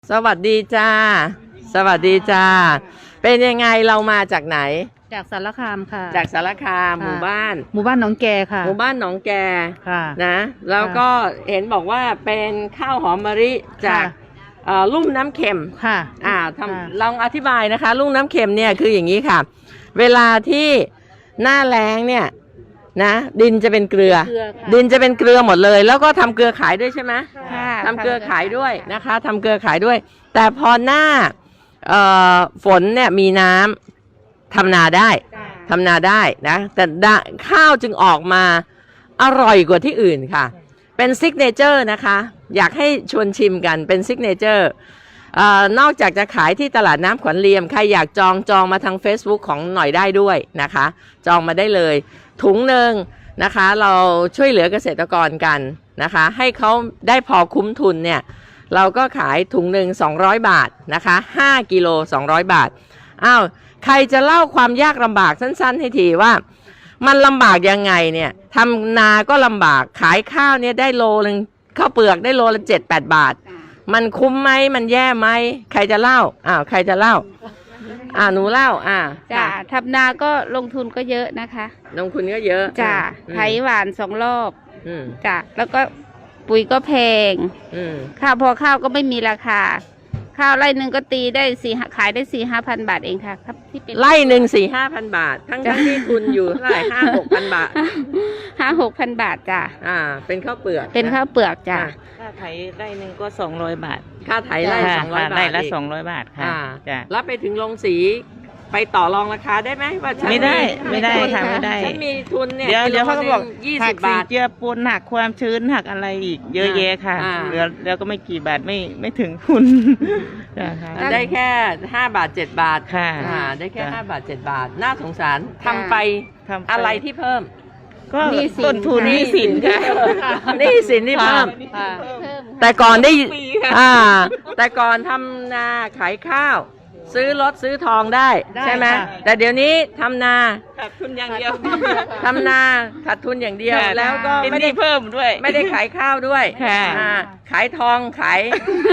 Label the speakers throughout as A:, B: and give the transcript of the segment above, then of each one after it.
A: สวัสดีจ้าสวัสดีจ้าเป็นยังไงเรามาจากไหน
B: จากสารคามค่ะ
A: จากสารคามหมู่บ้าน
B: หนองแกค่ะ
A: หมู่บ้านหนองแก
B: ค่ะ
A: นะแล้วก็เห็นบอกว่าเป็นข้าวหอมมะลิจากลุ่มน้ำเค็ม
B: ค่ะ
A: ลองอธิบายนะคะลุ่มน้ำเค็มเนี่ยคืออย่างนี้ค่ะเวลาที่หน้าแล้งเนี่ยนะดินจะเป็นเกลือดินจะเป็นเกลือหมดเลยแล้วก็ทำเกลือขายด้วยใช่ไหมทำเกลือขายด้วยนะคะทำเกลือขายด้วยแต่พอหน้าฝนเนี่ยมีน้ำทำนาได้นะแต่ข้าวจึงออกมาอร่อยกว่าที่อื่นค่ะเป็นซิกเนเจอร์นะคะอยากให้ชวนชิมกันเป็นซิกเนเจอร์นอกจากจะขายที่ตลาดน้ำขวัญเลียมใครอยากจองมาทาง Facebook ของหน่อยได้ด้วยนะคะจองมาได้เลยถุงหนึ่งนะคะเราช่วยเหลือเกษตรกรกันนะคะให้เขาได้พอคุ้มทุนเนี่ยเราก็ขายถุงหนึ่ง200 บาทนะคะ5 กิโล200 บาทอ้าวใครจะเล่าความยากลำบากสั้นๆให้ทีว่ามันลำบากยังไงเนี่ยทำนาก็ลำบากขายข้าวเนี่ยได้โลนึงข้าวเปลือกได้โลละ7-8 บาทมันคุ้มไหมมันแย่ไหมใครจะเล่าใครจะเล่าหนูเล่า
B: จ้าทำนาก็ลงทุนก็เยอะนะคะ
A: ลงทุนก็เยอะ
B: จ้าไถหวาน2 รอบจ้าแล้วก็ปุ๋ยก็แพงข้าวพอข้าวก็ไม่มีราคาข้าวไร่หนึ่งก็ตีได้ขายได้4-5 พันบาทเองค่ะครับที่เป็น
A: ไร่หนึ่ง4-5 พันบาททั้งที่ทุนอยู่เท่าไหร่5-6 พันบาท
B: 5-6 พันบาทจ้า
A: เป็นข้าวเปลือก
B: จ้า
C: ค่าไถไร่หนึ่งก็200 บาท
A: ค่าไถไร่200 บาท
C: ไร่ละ200 บาทค่ะ
A: จ้ะแล้วไปถึงโรงสีไปต่อรองราคาได้ไหมว่า
C: ไม่ได้ค่ะไม่ได้
A: ฉันมีทุนเนี่ย
C: เดี๋ยวเขาก็บอก
A: 20 บาท
C: เจือปูนหักความชื้นหักอะไรอีกเยอะแยะค่ะเหลือก็ไม่กี่บาทไม่ถึงทุน
A: ได้แค่5 บาท 7 บาท
C: ค่ะ
A: ได้แค่5 บาท 7 บาทน่าสงสารทำไปอะไรที่เพิ่ม
C: ก็ต้นทุนหนี้สินค่ะ
A: หนี้สินที่เพิ่มแต่ก่อนได้แต่ก่อนทำนาขายข้าวซื้อรถซื้อทองได้ใช่ไหมแต่เดี๋ยวนี้ทำนา
C: ขาดทุนอย่างเดียว
A: ทำนาขาดทุนอย่างเดียวแล้วก็
C: ไม่ได้เพิ่มด้วย
A: ไม่ได้ขายข้าวด้วยขายทองขาย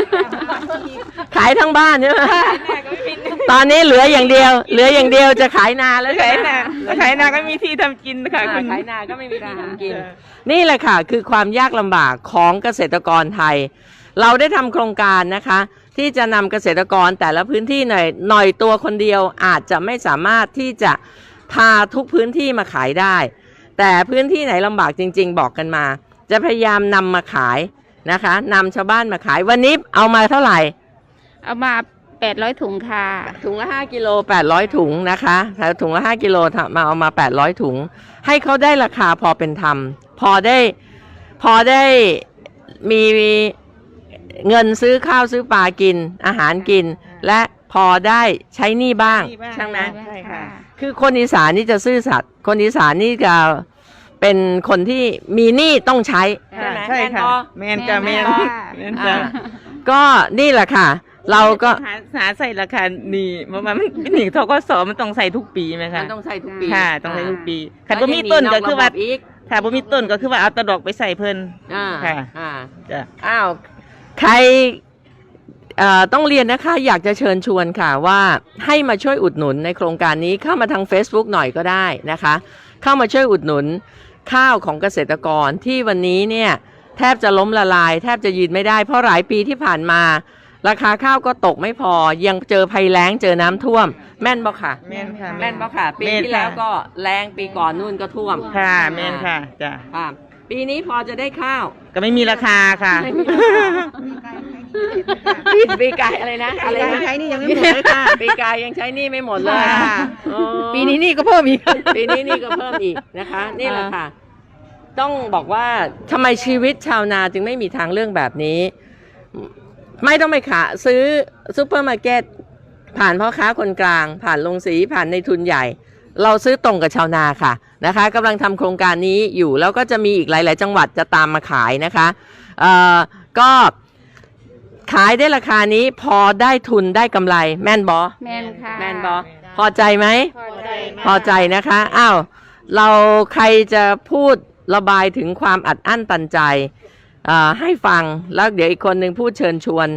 A: ทั้งบ้านใช่ไหมตอนนี้เหลืออย่างเดียวจะขายนาแล้ว
C: ขายนาก็มีที่ทำกินค่ะคุณ
A: ขายนาก็ไม่มีที่ทำกินนี่แหละค่ะคือความยากลำบากของเกษตรกรไทยเราได้ทำโครงการนะคะที่จะนำเกษตรกรแต่ละพื้นที่หน่อยตัวคนเดียวอาจจะไม่สามารถที่จะพาทุกพื้นที่มาขายได้แต่พื้นที่ไหนลำบากจริงๆบอกกันมาจะพยายามนำมาขายนะคะนำชาวบ้านมาขายวันนี้เอามาเท่าไหร่
B: เอามา800 ถุงค่ะ
A: ถุงละ5 กิโล800 ถุงนะคะถุงละ5 กิโลมาเอามา800 ถุงให้เขาได้ราคาพอเป็นธรรมพอได้มีเงินซื้อข้าวซื้อปลากินอาหารกินและพอได้ใช้หนี้บ้างใช่ไหม
C: ใช่ค่ะ
A: คือคนอีสานนี่จะซื่อสัตย์คนอีสานนี่จะเป็นคนที่มีหนี้ต้องใช้ใช่ไหม
C: ใช่ค่ะแมนจ้ะแมนจ้ะ
A: ก็นี่แหละค่ะเราก็
C: หาใส่ราคานี่มันหนีทกสมันต้องใส่ทุกปีไหมคะ
A: มันต้องใส่ทุกปี
C: ค่ะต้องใส่ทุกปีขันบ่มีต้นก็คือว่าถ้าบ่มีต้นก็คือว่าเอาตะดอกไปใส่เพิ่นค่ะ
A: จ้ะใครต้องเรียนนะคะอยากจะเชิญชวนค่ะว่าให้มาช่วยอุดหนุนในโครงการนี้เข้ามาทาง Facebook หน่อยก็ได้นะคะเข้ามาช่วยอุดหนุนข้าวของเกษตรกรที่วันนี้เนี่ยแทบจะล้มละลายแทบจะยืนไม่ได้เพราะหลายปีที่ผ่านมาราคาข้าวก็ตกไม่พอยังเจอภัยแล้งเจอน้ำท่วมแม่นบ่ค่ะ
C: แม่นค่ะ
A: แม่นบ่ค่ะปีที่แล้วก็แล้งปีก่อนนู่นก็ท่วม
C: ค่ะแม่นค่ะจ้ะ
A: ปีนี้พอจะได้ข้าว
C: ก็ไม่มีราคาค่ะ
A: ปีกายอะไรนะอะไรนะ
B: ใช้นี่ยังไม่หมดเลยค่ะ
A: ปีกายยังใช้นี่ไม่หมดเลย
B: ปีนี้นี่ก็เพิ่มอีก
A: ปีนี้นี่ก็เพิ่มอีกนะคะนี่แหละค่ะต้องบอกว่าทำไมชีวิตชาวนาจึงไม่มีทางเรื่องแบบนี้ไม่ต้องไปซื้อซุปเปอร์มาร์เก็ตผ่านพ่อค้าคนกลางผ่านโรงสีผ่านในทุนใหญ่เราซื้อตรงกับชาวนาค่ะนะคะกำลังทำโครงการนี้อยู่แล้วก็จะมีอีกหลายๆจังหวัดจะตามมาขายนะคะก็ขายได้ราคานี้พอได้ทุนได้กำไรแม่นบอ
B: แม่นค่ะ
A: แม่นบอพอใจไหมพอใจนะคะอ้าวเราใครจะพูดระบายถึงความอัดอั้นตันใจให้ฟังแล้วเดี๋ยวอีกคนหนึ่งพูดเชิญชวน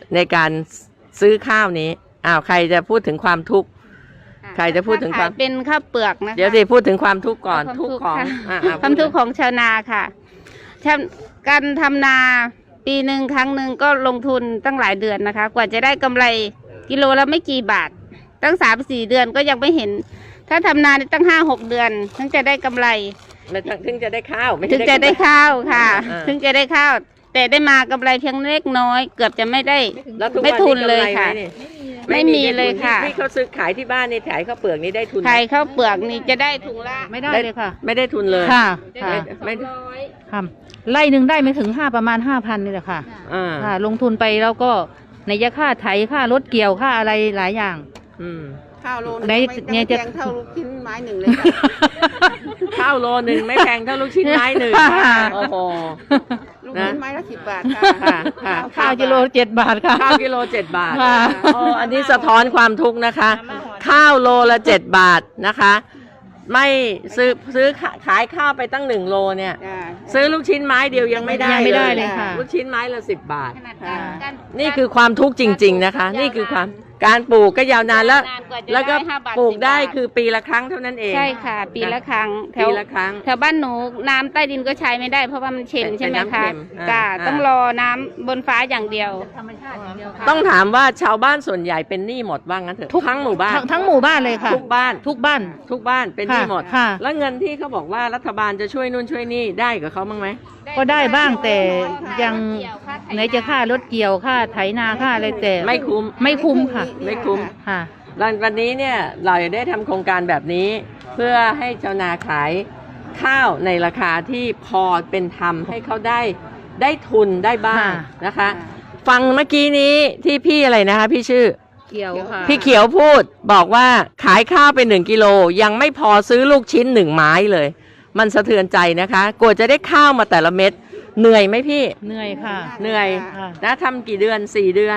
A: ในการซื้อข้าวนี้ใครจะพูดถึงความทุกข์ใครจะพูดถึงความ
B: เป็นข้าวเปลือกนะคะ
A: เดี๋ยวสิพูดถึงความทุกข์ก่อน
B: ความ
A: ทุ
B: ทุ
A: ก
B: กข์
A: ข์ของ
B: ค่ะ
A: พูด
B: ความทุกข์ของชาวนาค่ะการทำนาปีหนึ่งครั้งหนึ่งก็ลงทุนตั้งหลายเดือนนะคะ กว่าจะได้กำไรกิโลละไม่กี่บาท ตั้ง3-4 เดือนก็ยังไม่เห็น ถ้าทำนาตั้ง5-6 เดือนถึงจะได้กำไร
A: ถึงจะได้ข้าวไม่
B: ถึ
A: ใช่
B: งจะได้ข้าวค่ะ
A: อ่า
B: ถึงจะได้ข้าว แต่ได้มากำไรเพียงเล็กน้อย เกือบจะไม่ได้
A: แล้วทุก
B: ไม่
A: วัน
B: ทุน
A: นี้
B: เลย
A: กำไร
B: ค่ะ
A: ไหมนี่
B: ไม่มีเลยค่ะ
A: ที่เขาซื้อขายที่บ้านนี่ขายข้าวเปลือกนี่ได้ทุนไหม
B: ขายข้าวเปลือกนี่จะได้ถุงละ
D: ไม่ได้เลยค่ะ
A: ไม่ได้ทุนเลย
D: ค่ะ
B: ได้
D: ค่ะ
A: ไม่
B: ร้อย
D: ค่ะไล่หนึ่งได้ไม่ถึงประมาณ 5,000นี่แหละค่ะ
A: อ่า
D: ค่ะ ลงทุนไปแล้วก็ในยะค่าไถค่ารถเกี่ยวค่าอะไรหลายอย่าง
A: อืม
C: ข้าวโลนึง
D: ไหน
C: ไม่
D: เนี่ย
C: แพ
D: จะ
C: งเท่าลูกชิ้นไม้หนึ่งเลยค่ะ
A: ข้าวโลนึงไม่แพงเท่าลูกชิ้นไม้หนึ่ง
D: ค่ะ
A: โอ้โห
C: ลูกชิ้นไม้ละ10 บาทค่ะ
A: ค่ะค่ะ
D: ข้าวกิโล7 บาทค่ะ
A: ข้าวกิโล7 บาท
D: ค่ะ
A: อันนี้สะท้อนความทุกข์นะคะ ข้าวโลละ7 บาทนะคะ ไม่ซื้อขายข้าวไปตั้ง1 โลเนี่ย
C: จ้ะ
A: ซื้อลูกชิ้นไม้เดียวยังไม่ได้
D: ยังไม่ได้เลยค่ะ
A: ลูกชิ้นไม้ละ10 บาท
B: ขนาดการ
A: นี่คือความทุกข์จริง ๆนะคะ นี่คือความการปลูกก็ยาวนานแล้ว
B: นานกว่าจะ
A: แล้วก็
B: ได้5 บาท
A: ปลูก
B: 10
A: ได้
B: บาท
A: คือปีละครั้งเท่านั้นเอง
B: ใช่ค่ะ ปีละครั้งแถ
A: ปี
B: ว
A: ละครั้ง
B: แถวบ้านหนูน้ำใต้ดินก็ใช้ไม่ได้เพราะว่ามันเค็ม
A: เป็น
B: ใช่ไหม
A: น้ำ
B: คะ
A: เค็ม
B: จ้า
A: อ่า
B: ต้องรอน้ำบนฟ้าอย่างเดียว
A: ต้องถามว่าชาวบ้านส่วนใหญ่เป็นหนี้หมดว่างั้นเถอะทั้งหมู่บ้าน
D: ทั้งหมู่บ้านเลยค่ะ
A: ทุกบ้าน
D: ทุกบ้าน
A: ทุกบ้านเป็นหนี้หมด
D: ค่ะ
A: แล้วเงินที่เขาบอกว่ารัฐบาลจะช่วยนู่นช่วยนี่ได้กับเขาบ้างไหม
D: ก็ได้บ้างแต่ยังไหนจะค่ารถเกี่ยวค่าไถนาค่าอะไรแต่
A: ไม่คุ้ม
D: ไม่คุ้มค่ะ
A: ไม่คุ้ม
D: ค่ะ
A: วันนี้เนี่ยเราได้ทำโครงการแบบนี้ เพื่อให้ชาวนาขายข้าวในราคาที่พอเป็นธรรมให้เขาได้ทุนได้บ้าง
D: ค่ะ
A: นะคะ ฟังเมื่อกี้นี้ที่พี่อะไรนะคะพี่ชื่อ
D: เกี่ยวค่ะ
A: พี่เขียวพูดบอกว่าขายข้าวไป1 กิโลยังไม่พอซื้อลูกชิ้น1 ไม้เลย มันสะเทือนใจนะคะกว่าจะได้ข้าวมาแต่ละเม็ดเหนื่อยไหมพี่
D: เหนื่อยค่ะ
A: เหนื่อย
D: ค่ะ
A: นะทำกี่เดือน4 เดือน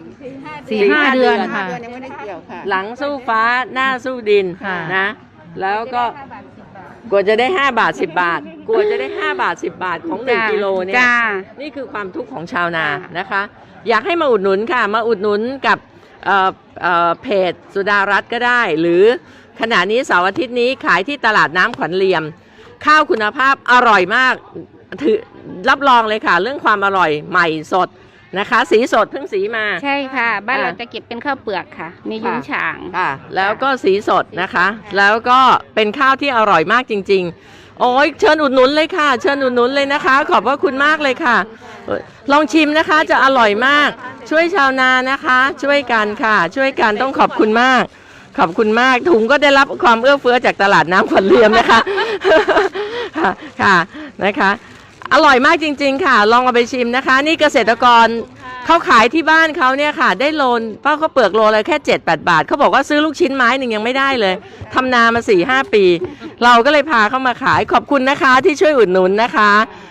D: 4-5 เดือน
C: 5
D: ค่ะ
C: เดือนยังไม่ได้เกี่ยวค่ะ
A: หลังสู้ฟ้าหน้าสู้ดิน
D: ค่ะ
A: นะ แล้วก็กว่าจะได้5 บาท 10 บาทกว่าจะได้5 บาท 10 บาทของ1 กิโลเนี่ย
B: จ้า
A: นี่คือความทุกข์ของชาวนานะคะ อยากให้มาอุดหนุนค่ะ มาอุดหนุนกับเพจสุดารัตน์ก็ได้ หรือขณะนี้เสาร์อาทิตย์นี้ขายที่ตลาดน้ำขวัญเหลี่ยม ข้าวคุณภาพอร่อยมากถือรับรองเลยค่ะ เรื่องความอร่อยใหม่สดนะคะ สีสดเพิ่งสีมา
B: ใช่ค่ะ บ้าน
A: อ่า
B: เราจะเก็บเป็นข้าวเปลือกค่ะ มียุ้งฉาง
A: ค่ะแล้วก็สีสดนะคะ แล้วก็เป็นข้าวที่อร่อยมากจริง ๆ โอ้ยเชิญอุดหนุนเลยค่ะ เชิญอุดหนุนเลยนะคะ ขอบพระคุณมากเลยค่ะลองชิมนะคะจะอร่อยมาก ช่วยชาวนานะคะ ช่วยกันค่ะ ช่วยกันต้องขอบคุณมาก ขอบคุณมากถุงก็ได้รับความเอื้อเฟื้อจากตลาดน้ำขวัญเหลี่ยมนะคะ ค่ะค่ะนะคะ อร่อยมากจริง ๆ ค่ะ ลองเอาไปชิมนะคะ นี่เกษตรกรเขาขายที่บ้านเขาเนี่ยค่ะ ได้โลนเพราะเขาเปลือกโลละแค่7-8 บาทเขาบอกว่าซื้อลูกชิ้นไม้หนึ่งยังไม่ได้เลยทำนามา4-5 ปี เราก็เลยพาเข้ามาขายขอบคุณนะคะที่ช่วยอุดหนุนนะคะ